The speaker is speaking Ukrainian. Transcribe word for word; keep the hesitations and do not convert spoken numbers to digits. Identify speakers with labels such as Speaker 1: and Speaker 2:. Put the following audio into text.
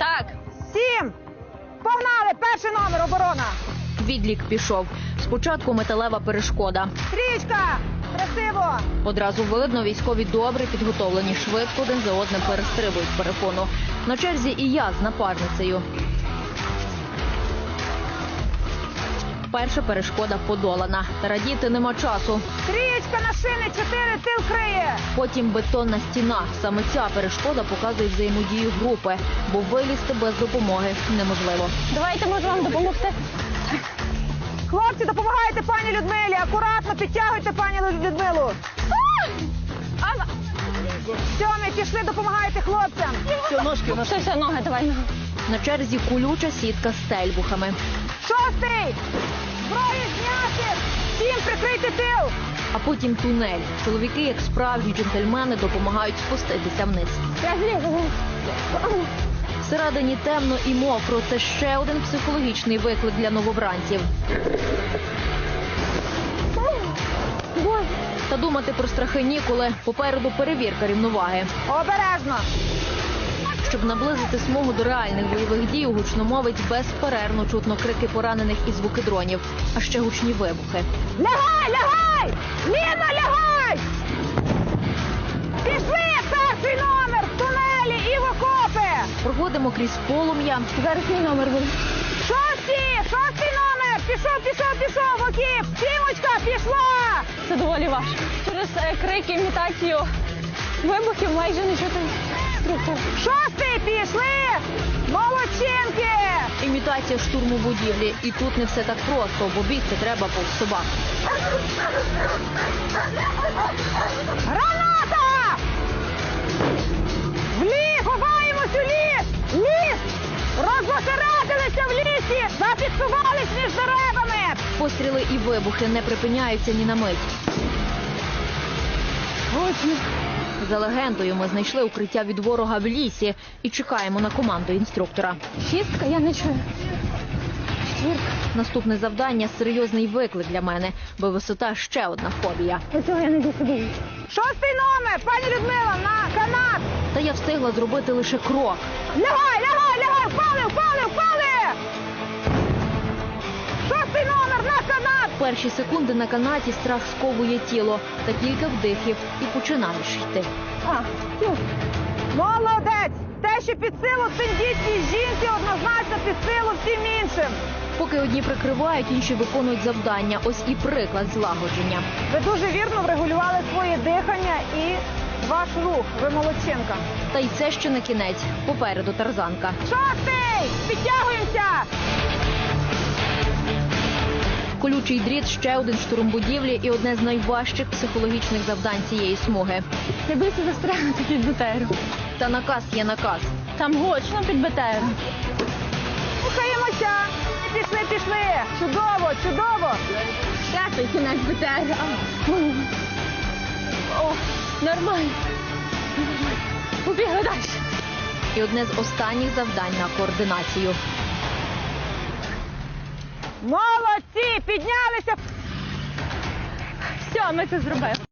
Speaker 1: Так.
Speaker 2: Сім. Погнали, перший номер, оборона.
Speaker 1: Відлік пішов. Спочатку металева перешкода.
Speaker 2: Стрічка, красиво.
Speaker 1: Одразу видно, військові добре підготовлені, швидко один за одним перестрибують перепону. На черзі і я з напарницею. Перша перешкода подолана. Та радіти нема часу.
Speaker 2: Стрічка на шини, чотири, тил криє.
Speaker 1: Потім бетонна стіна. Саме ця перешкода показує взаємодію групи, бо вилізти без допомоги неможливо.
Speaker 3: Давайте, можу вам допомогти.
Speaker 2: Хлопці, допомагайте пані Людмилі. Акуратно підтягуйте пані Людмилу. Сьомі, пішли, допомагайте хлопцям.
Speaker 3: Все, ножки, все, все, ноги, давай ноги.
Speaker 1: На черзі колюча сітка з тельбухами.
Speaker 2: Шостий. Зброю зняти. Сім, прикрийте тил.
Speaker 1: А потім тунель. Чоловіки, як справжні джентльмени, допомагають спуститися вниз.
Speaker 3: Я злізу.
Speaker 1: Всередині темно і мокро. Це ще один психологічний виклик для новобранців.
Speaker 3: Боже.
Speaker 1: Та думати про страхи ніколи. Попереду перевірка рівноваги.
Speaker 2: Обережно.
Speaker 1: Щоб наблизити смугу до реальних бойових дій, у гучномовець безперервно чутно крики поранених і звуки дронів, а ще гучні вибухи.
Speaker 2: Лягай, лягай! Ліна, лягай! Пішли, перший номер, в тунелі і в окопи!
Speaker 1: Проходимо крізь полум'я.
Speaker 3: Зараз мій номер буде.
Speaker 2: Шостий, шостий номер! Пішов, пішов, пішов, в окіп! Сімочка, пішла!
Speaker 3: Це доволі важко. Через е, крики, імітацію вибухів майже не чути інструктор.
Speaker 2: Шостий, пішли! Молодчинки!
Speaker 1: Імітація штурму будівлі. І тут не все так просто, бо бігти треба повз собак.
Speaker 2: Граната! В ліс! Ховаємось у ліс! Ліс! Розосередилися в лісі! Зафіксувались між деревами!
Speaker 1: Постріли і вибухи не припиняються ні на мить.
Speaker 3: Гучно.
Speaker 1: За легендою, ми знайшли укриття від ворога в лісі і чекаємо на команду інструктора.
Speaker 3: Шістка, я не чую. Четвірка.
Speaker 1: Наступне завдання – серйозний виклик для мене, бо висота – ще одна фобія.
Speaker 3: Оцього я не досидію.
Speaker 2: Шостий номер! Пані Людмила, на канат!
Speaker 1: Та я встигла зробити лише крок.
Speaker 2: Лягай, лягай, лягай! Впали, впали, впали! Шостий номер, на канат!
Speaker 1: Перші секунди на канаті страх сковує тіло. Та кілька вдихів і починаєш йти.
Speaker 3: А, тю.
Speaker 2: Молодець! Те, що під силу тендітній жінці, однозначно під силу всім іншим.
Speaker 1: Поки одні прикривають, інші виконують завдання. Ось і приклад злагодження.
Speaker 2: Ви дуже вірно врегулювали своє дихання і ваш рух. Ви молодчинка.
Speaker 1: Та й це ще не кінець. Попереду тарзанка.
Speaker 2: Шостий! Підтягуємося!
Speaker 1: Колючий дріт – ще один штурм будівлі і одне з найважчих психологічних завдань цієї смуги.
Speaker 3: Не бийся застрягнути під БТРом.
Speaker 1: Та наказ є наказ.
Speaker 3: Там гучно під БТРом.
Speaker 2: Рухаємося! Пішли, пішли! Чудово, чудово!
Speaker 3: П'ятий кінець БТР. О, нормально. Побігли далі.
Speaker 1: І одне з останніх завдань на координацію.
Speaker 2: Молодці! Піднялися!
Speaker 3: Все, ми це зробили.